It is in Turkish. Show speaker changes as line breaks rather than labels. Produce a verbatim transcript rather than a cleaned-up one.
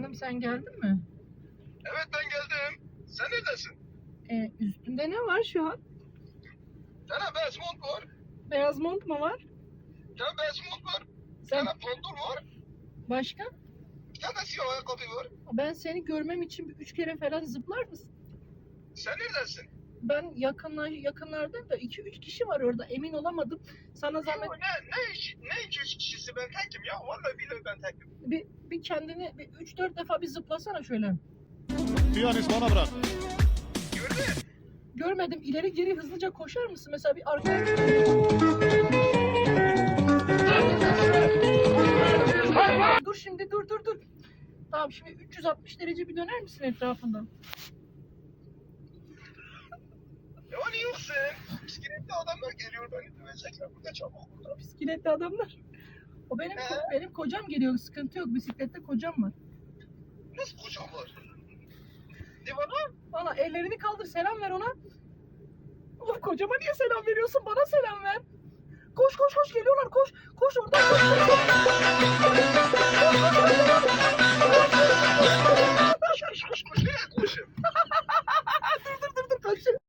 Canım sen geldin mi?
Evet ben geldim. Sen neredesin?
Ee, üstünde ne var şu an?
Bir tane beyaz mont var.
Beyaz mont mu var?
Bir tane beyaz mont var. Bir
Sen
tane pantol var.
başka?
Bir tane de siyah ayakkabı var.
Ben seni görmem için bir üç kere falan zıplar mısın?
Sen neredesin?
Ben yakınlar, yakınlardayım da iki üç kişi var orada, emin olamadım. Sana zahmet
Yo, ne, ne, iş, ne iki üç kişisi ben tekim ya. Vallahi billahi ben tekim.
bir, bir kendini bir üç dört defa bir zıplasana şöyle.
Piyanist bana bırak.
Gördün?
Görmedim, ileri geri hızlıca koşar mısın? Mesela bir arkaya... Dur şimdi, dur dur dur. Tamam, şimdi üç yüz altmış derece bir döner misin etrafından?
Ya hani yoksun? Bisikletli adamlar geliyor beni dövecekler burada çabuk burada.
Bisikletli adamlar. O benim
He?
benim kocam geliyor, sıkıntı yok. Bisiklette kocam var.
Nasıl kocam var? Ne bana?
Valla ellerini kaldır, selam ver ona. Oğlum kocama niye selam veriyorsun? Bana selam ver. Koş koş koş, geliyorlar, koş. Koş oradan koş. Koş, koş, koş.